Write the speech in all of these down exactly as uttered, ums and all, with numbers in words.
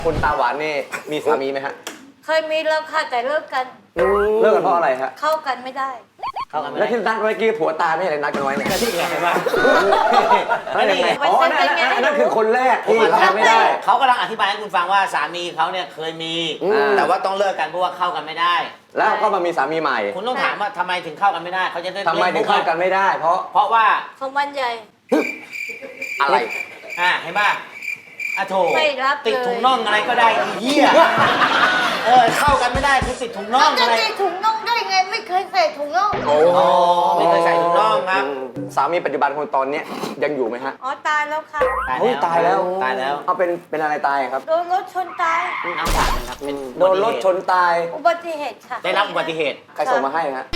คุณตาหวานนี่มีสามีไหมฮะเคยมีแล้วค่ะแต่เลิกกันเลิกกันเพราะอะไรฮะเข้ากันไม่ได้เข้ากันไม่แล้วได้ที่นัดเมื่อกี้ผัวตาไม่ใช่อะไรนัดกันไว้เนี่ยที่ไงบ้างนั่นไงอ๋อนั่นนั่นคือคนแรกที่เข้ากันไม่ได้เขากำลังอธิบายให้คุณฟังว่าสามีเขาเนี่ยเคยมีแต่ว่าต้องเลิกกันเพราะว่าเข้ากันไม่ได้แล้วก็มามีสามีใหม่คุณต้องถามว่าทำไมถึงเข้ากันไม่ได้เขาจะได้ทำไมถึงเข้ากันไม่ได้เพราะเพราะว่าของมันใหญ่อะไรอ่าเห็นป่ะอะโถไม่รับติดถุงน่องอะไรก็ได้เหี้ยเออเข้ากันไม่ได้คือติดถุงน่องอะไรจะติดถุงน่องได้ไงไม่เคยใส่ถุงน่องโอ้ไม่เคยใส่ถุงน่องครับสามีปัจจุบันคนตอนนี้ยังอยู่ไหมฮะอ๋อตายแล้วค่ะตายแล้วตายแล้วเอาเป็นเป็นอะไรตายครับโดนรถชนตายน้ำตาลครับโดนรถชนตายอุบัติเหตุค่ะได้รับอุบัติเหตุใครส่งมาให้ฮะ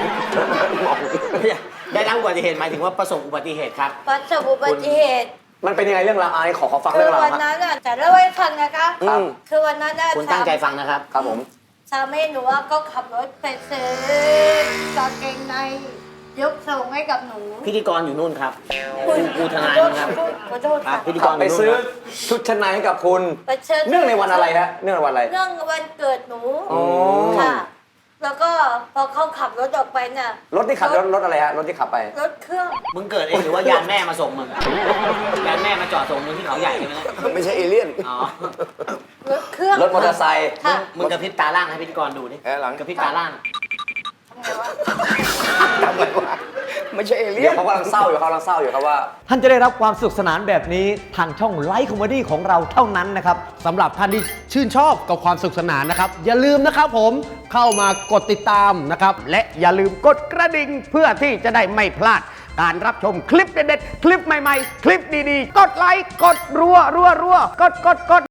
ได้รับอุบัติเหตุหมายถึงว่าประสบอุบัติเหตุครับประสบอุบัติเหตุมันเป็นยังไงเรื่องราวไอ้ขอขอฟังเรื่องราวคือวันนั้นอ่ะจะเล่าให้ฟังนะคะคือวันนั้นอ่ะคุณตั้งใจฟังนะครับครับผมสามีหนูก็ขับรถไปซื้อกางเกงในยกส่งให้กับหนูพิธีกรอยู่นู่นครับกูทนายนะครับขอโทษค่ะพิธีกรไปซื้อชุดชั้นในให้กับคุณเนื่องในวันอะไรฮะเนื่องในวันอะไรเนื่องวันเกิดหนูค่ะแล้วก็พอเขาขับรถออกไปน่ะรถที่ขับรถรถอะไรฮะรถที่ขับไปรถเครื่องมึงเกิดเองหรือว่ายานแม่มาส่งมึงยานแม่มาจอดส่งมึงที่เขาใหญ่ใช่ไหมไม่ใช่เอเลี่ยนอ๋อรถเครื่องรถมอเตอร์ไซค์มึงกระพริบตาล่างให้พิธีกรดูดิกระพริบตาล่างทำไงวะไม่ใช่เอเลี่ยนเขากำลังเศร้าอยู่เขากำลังเศร้าอยู่ครับว่าท่านจะได้รับความสนุกสนานแบบนี้ทางช่องไลฟ์คอมเมดี้ของเราเท่านั้นนะครับสำหรับท่านที่ชื่นชอบกับความสนุกสนานนะครับอย่าลืมนะครับผมเข้ามากดติดตามนะครับและอย่าลืมกดกระดิ่งเพื่อที่จะได้ไม่พลาดการรับชมคลิปเด็ดๆคลิปใหม่ๆคลิปดีๆกดไลค์กดรัวรัวรัวกดกดกด